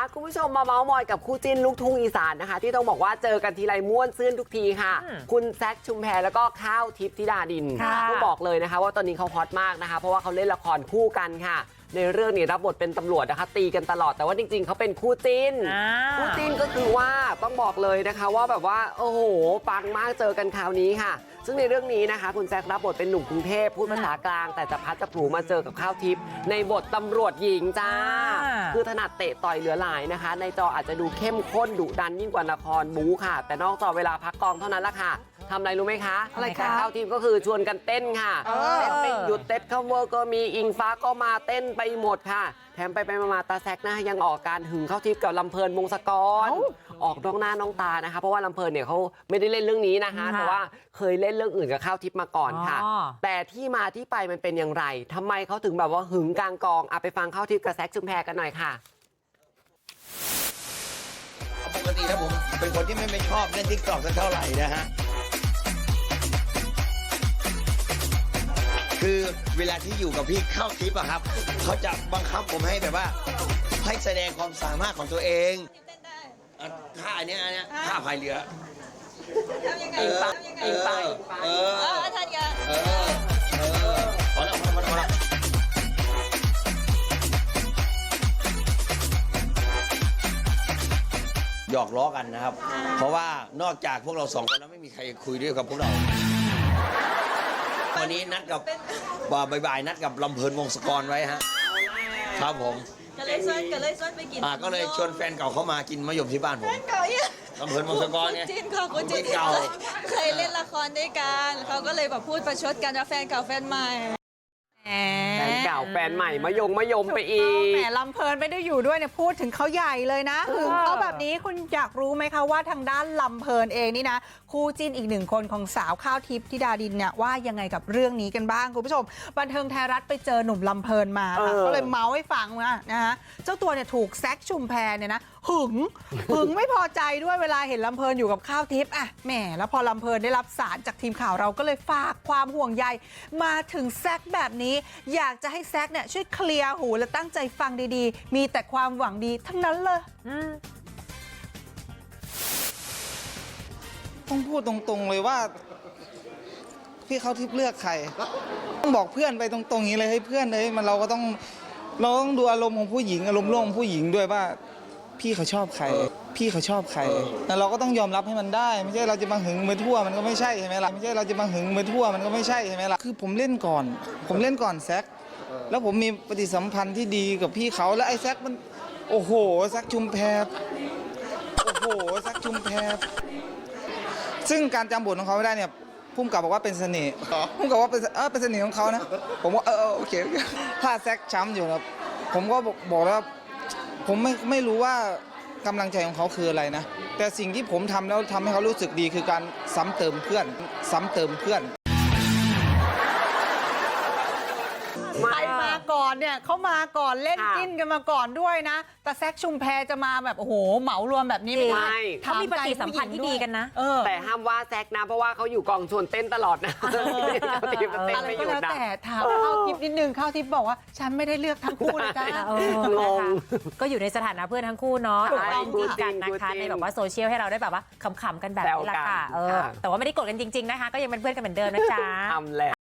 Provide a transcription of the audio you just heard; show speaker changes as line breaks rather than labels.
คุณผู้ชมมาเมาส์มอยกับคู่จิ้นลูกทุ่งอีสานนะคะที่ต้องบอกว่าเจอกันทีไรม่วนซื่นทุกทีค่ะคุณแซคชุมแพแล้วก็ข้าวทิพย์ธิดาดินต้องบอกเลยนะคะว่าตอนนี้เขาฮอตมากนะคะเพราะว่าเขาเล่นละครคู่กันค่ะในเรื่องนี้รับบทเป็นตำรวจนะคะตีกันตลอดแต่ว่าจริงๆเขาเป็นคู่จิ้นคู่จิ้นก็คือว่าต้องบอกเลยนะคะว่าแบบว่าโอ้โหปังมากเจอกันคราวนี้ค่ะซึ่งในเรื่องนี้นะคะคุณแซครับบทเป็นหนุ่มกรุงเทพพูดภาษากลางแต่จะพัดจะผูมาเจอกับข้าวทิพย์ในบทตำรวจหญิงจ้าคือถนัดเตะต่อยเหลือหลายนะคะในจออาจจะดูเข้มข้นดุดันยิ่งกว่าละครบู๊ค่ะแต่นอกจอเวลาพักกองเท่านั้นละค่ะทำอะไรรู้ไหมคะอะไรคะข้าวทิพย์ก็คือชวนกันเต้นค่ะเต้นไม่หยุดเต้นคัฟเวอร์ก็มีอิงฟ้าก็มาเต้นไปหมดค่ะแถมไปมาตาแซกนะยังออกการหึงข้าวทิพย์กับลำเพลินวงศกรออกน้องหน้าน้องตานะคะเพราะว่าลำเพลินเนี่ยเขาไม่ได้เล่นเรื่องนี้นะคะแต่ว่าเคยเล่นเรื่องอื่นกับข้าวทิพย์มาก่อนค่ะแต่ที่มาที่ไปมันเป็นอย่างไรทำไมเขาถึงแบบว่าหึงกลางกองไปฟังข้าวทิพย์กับแซกชุมแพกันหน่อยค่ะ
ปกติแล้วผมเป็นคนที่ไม่ชอบเล่นทิกตอกสักเท่าไหร่นะฮะคือเวลาที่อยู่กับพี่เข้าทิปอะครับเขาจะบังคับผมให้แบบว่าให้แสดงความสามารถของตัวเองท่าอันเนี้ยท่าพายเรือ
ทำยังไงท่านกัน
พอแล้วหยอกล้อกันนะครับเพราะว่านอกจากพวกเราสองคนแล้วไม่มีใครคุยด้วยกับพวกเราวันนี้นัดกับบ่ายนัดกับลำเพลินวงศกรไว้ฮะครับผม
ก็เลยชวนไปกิน
ก็เลยชวนแฟนเก่าเขามากินมะยมที่บ้านผมลำเพลินวงศกรเนี่ย
คุณจินเก่าเคยเล่นละครด้วยกันเขาก็เลยแบบพูดประชดกันว่าแฟนเก่าแฟนใหม่
แฟนเก่าแฟนใหม่มะยมไปอีก
แหมลำเพลินไม่ได้อยู่ด้วยเนี่ยพูดถึงเขาใหญ่เลยนะถึงเขาแบบนี้คุณอยากรู้ไหมคะว่าทางด้านลำเพลินเองนี่นะคู่จิ้นอีกหนึ่งคนของสาวข้าวทิพย์ธิดาดินเนี่ยว่ายังไงกับเรื่องนี้กันบ้างคุณผู้ชมบันเทิงไทยรัฐไปเจอหนุ่มลำเพลินมาก็เลยเมาส์ให้ฟังนะฮะเจ้าตัวเนี่ยถูกแซคชุมแพเนี่ยนะหึงไม่พอใจด้วยเวลาเห็นลำเพลินอยู่กับข้าวทิพย์แหมแล้วพอลำเพลินได้รับสารจากทีมข่าวเราก็เลยฝากความห่วงใยมาถึงแซคแบบนี้อยากจะให้แซคเนี่ยช่วยเคลียร์หูและตั้งใจฟังดีๆมีแต่ความหวังดีทั้งนั้นเลย
ต้องพูดตรงๆเลยว่าพี่เขาทิพย์เลือกใครต้องบอกเพื่อนไปตรงๆอย่างนี้เลยให้เพื่อนเลยเราต้องดูอารมณ์ของผู้หญิงอารมณ์ร่วมของผู้หญิงด้วยว่าพี่เขาชอบใครแต่เราก็ต้องยอมรับให้มันได้ไม่ใช่เราจะมาหึงมือทั่วมันก็ไม่ใช่ใช่ไหมล่ะไม่ใช่เราจะมาหึงมือทั่วมันก็ไม่ใช่ใช่ไหมล่ะคือผมเล่นก่อนแซคแล้วผมมีปฏิสัมพันธ์ที่ดีกับพี่เขาแล้วไอ้แซคมันโอ้โหแซคชุมแพซึ่งการจำบทของเขาไม่ได้เนี่ยพุ่มกับบอกว่าเป็นเสน่ห์พุ่มกับว่าเป็นเสน่ห์ของเขานะผมว่าโอเคถ้าแซคช้ำอยู่นะผมก็บอกแล้วผมไม่รู้ว่ากำลังใจของเขาคืออะไรนะแต่สิ่งที่ผมทำแล้วทำให้เขารู้สึกดีคือการซ้ำเติมเพื่อน
ใครมาก่อนเนี่ยเขามาก่อนเล่นจิ้นกันมาก่อนด้วยนะแต่แซคชุมแพจะมาแบบโอ้โหเหมารวมแบบนี้ไม่ได้
เขามีปฏิสัมพันธ์ที่ดีกันนะ
แต่ห้ามว่าแซคนะเพราะว่าเขาอยู่กองชวนเต้นตลอดนะ
อะไรก็แล้วแต่ถามข้าวทิพย์นิดนึงข้าวทิพย์บอกว่าฉันไม่ได้เลือกทั้งคู่เลยจ้าง
งก็อยู่ในสถานะเพื่อนทั้งคู่เนาะดีกันนะคะในแบบว่าโซเชียลให้เราได้แบบว่าขำๆกันแบบนี้แหละค่ะแต่ว่าไม่ได้กดกันจริงๆนะคะก็ยังเป็นเพื่อนกันเหมือนเดิมนะจ๊ะ